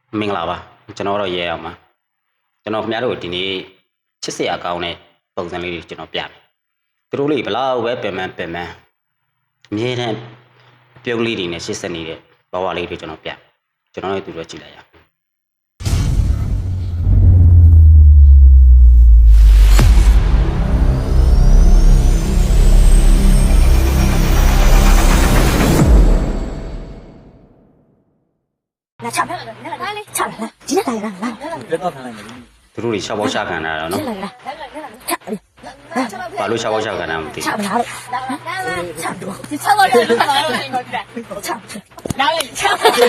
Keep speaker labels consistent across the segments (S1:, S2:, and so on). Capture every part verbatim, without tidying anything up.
S1: မင်္ဂလာပါကျွန်တော်တော့ရဲအောင်ပါကျွန်တော်ခင်ဗျားတို့ဒီနေ့ချစ်စရာကောင်းတဲ့ပုံစံလေးတွေကျွန်တော်ပြမယ်သူတို့လေးဘလောက်ပဲပင်ပန်းပင်ပန်းအမြဲတမ်းပြုံးလေးတွေနဲ့ရှစ်ဆက်နေတဲ့ဘဝလေးတွေကျွန်တော်ပြကျွန်တော်လည်းသူတို့ကြည့်လိုက်ရအောင်
S2: 来唱，来来，唱来，今天来来来，
S3: 别到他那里。
S1: သူတို့တွေရှောက်ပေါက်ရှာခံတာတော့နော်
S2: 来来来，唱，
S1: ဘာလို့ရှောက်ပေါက်ရှာခံတာမသိ
S2: 唱不了了，唱多，
S4: 你唱到这儿干嘛了？这个是，
S2: 唱，
S4: 哪里唱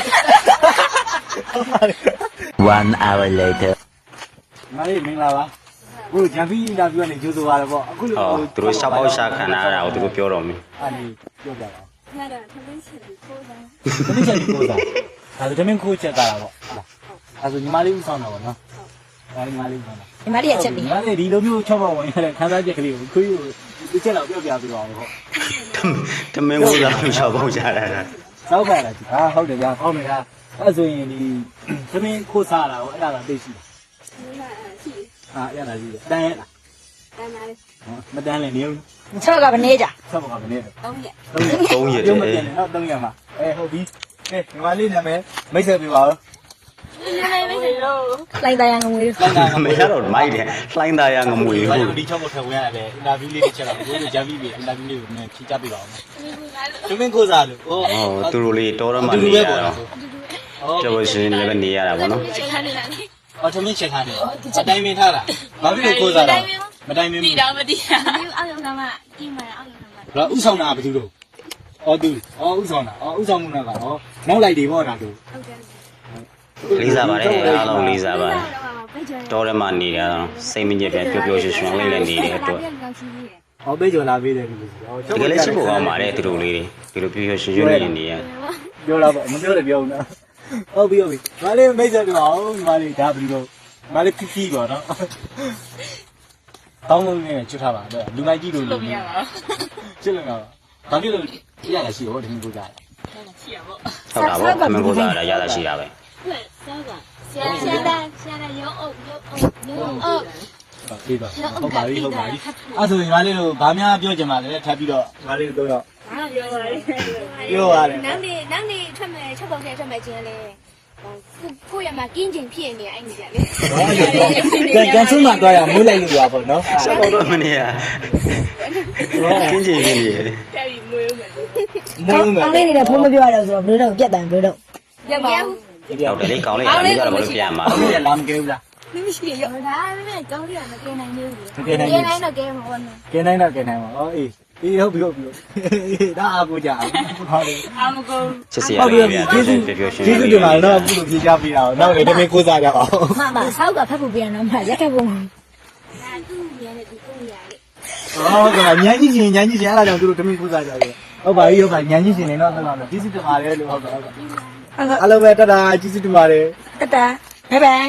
S5: ？One hour later.
S3: 哪里明了吧？我讲飞机那边的就是完了不？
S1: ဟောသူတို့ရှောက်ပေါက်ရှာခံတာအဲ့ဒါကိုသူတို့ပြောတော့မယ်
S3: 啊，你要不要？
S4: 那个他们起的头上。
S3: 肯定先你过噻，他说这边可以接干了不？他说你妈的有上了不喏？啊，你妈的有上了。
S2: 你妈的也这边，
S3: 你妈的你都没有瞧把我原来看到这个里可以，你接了不要不要不要不？
S1: တမင်းကိုသာရှောက်ပေါက်ရှာတာ
S3: 早开了啊，好的呀，好没啦。那所以你这边可啥了？我让他对戏。啊，让他对的，单了。
S4: 在哪里？
S3: 哦，没单了，你有？
S2: 你唱个不那家，
S3: 差不多没得。
S4: 东野。
S1: သုံးရက်
S3: 有
S1: တ
S3: 没
S1: ည်း
S3: 点的？那等一下嘛。哎，好比，哎，你妈你那边没车比吧？
S4: 你那没事喽。
S2: 来大洋我有，
S1: မရတော့မိုက်တယ်လှိုင်းသားရငမွေ
S3: 我
S1: ဘူး
S3: 有你超过车回来呗，那比你吃了，我有加比比，那比你那去加比吧。这边可啥的？
S1: ဟော
S3: 哦，
S1: သူတို့လေးတော်တော့မှ
S3: 对
S1: နေ
S3: 对
S1: ရ
S3: 对
S1: တော့
S3: 哦，
S1: ကျော်ရှင်လည်းပဲနေရတာပေါ့နော်
S4: 去看你哪里？
S3: 哦，这边吃看的，我带没他了，哪边可啥的？没带没。
S4: 地道不地啊？你有奥运干嘛？你买奥运干嘛？
S3: 那乌上哪不知道？哦对，哦乌上哪？哦乌上木那个哦，哪来的么那都？
S1: လေးစားပါတယ်အားလုံးလေးစားပါတယ်တော်တယ်မှနေရတော့စိတ်မညစ်ပဲပျော်ပျော်ရွှင်ရွှင်လေးလည်းနေတဲ့အတွက်
S3: 哦，被叫那边的就是。哦，
S1: တကယ်လည်းချစ်ဖို့ကောင်းပါတယ်သူတို့လေးတွေဒီလိုပျော်ပျော်ရွှင်ရွှင်လေးနေရ
S3: ပြောလာပါမပြောလည်းပြောဦးနော်ဟုတ်ပြီဟုတ်ပြီငါလေးမိတ်ဆက်ပြပါဦးငါလေးဒါပြီးတော့ငါလေးဖြီးဖြီးပါနော်တောင်းလို့နေချွတ်ထားပါတော့လူမိုက်ကြီးတို့လူချစ်လို့တော့ဘာဖြစ်လို့ရရရှိရောဒီကိုကြား
S1: ဟုတ်တာပေါ့အမှန်ကိုစားတာရတာရှိတာပဲ
S4: 对，三个。现在现在现在有欧有欧有欧。
S3: ဟုတ်ပြီပါဟုတ်ပါပြီဟုတ်ပါပြီအဲ့ဆိုရင်ငါလေးတို့ဘာများပြောချင်ပါလဲထပ်ပြီးတော့ငါလေးတို့တော့
S4: 哪有啊？
S3: ပြောရတယ်
S4: 哪里哪里出门出门去出门去嘞？哦，不不要嘛，赶紧骗你，哎你家嘞。
S3: ကန်ကန်ဆုံးမှသွားရမိုးလိုက်လို့ရပါတော့နော်
S1: ဆက်တော့မနေရကင်းချင်နေတယ်
S4: 家里没有门。
S3: မိုးမယ်
S2: 刚才你的朋友表了说，不知道别等不知道，
S4: 要不？
S1: ဟုတ်တယ်လေကောင်းလေးအားလေးကတော့ဘယ်လိုပြန်မှာ
S3: ဘာလို့လာမကဲဘူးလား
S4: 你们是有他那边高点的给男的，
S3: ကဲနိုင်
S4: 给男的给我呢。
S3: ကဲနိုင်တော့ကဲနိုင်ပါဩအေးအေးဟုတ်ပြီဟုတ်ပြီဒါအကူကြဟုတ်တယ်
S4: 阿姆公。
S1: ချစ်စရာလေးတွေပျော်ပျော်ရွှင်ရွှင်
S3: ကျေးဇူးတင်ပါတယ်တော့အခုလိုဖြေချပေးတာတော့နောက်လည်းတမင်ကိုးစားကြပါဦး
S2: 妈妈少个拍不别人嘛，也开不。
S4: 那都演的都够演的。
S3: ဟုတ်ကဲ့ညန်းကြီးရှင်ညန်းကြီးရှင်အဲ့ဒါကြောင့်သူတို့တမင်ကိုးစားကြတယ်ဟုတ်ပါပြီဟုတ်ပါညန်းကြီးရှင်နေတော့ဆက်ပါမယ်ကျေးဇူးတင်ပါတယ်လို့ဟုတ်ကဲ့ဟုတ်ကဲ့အားလုံးပဲတတာကျေးဇူးတင်ပါတယ်
S2: 哒哒，拜拜。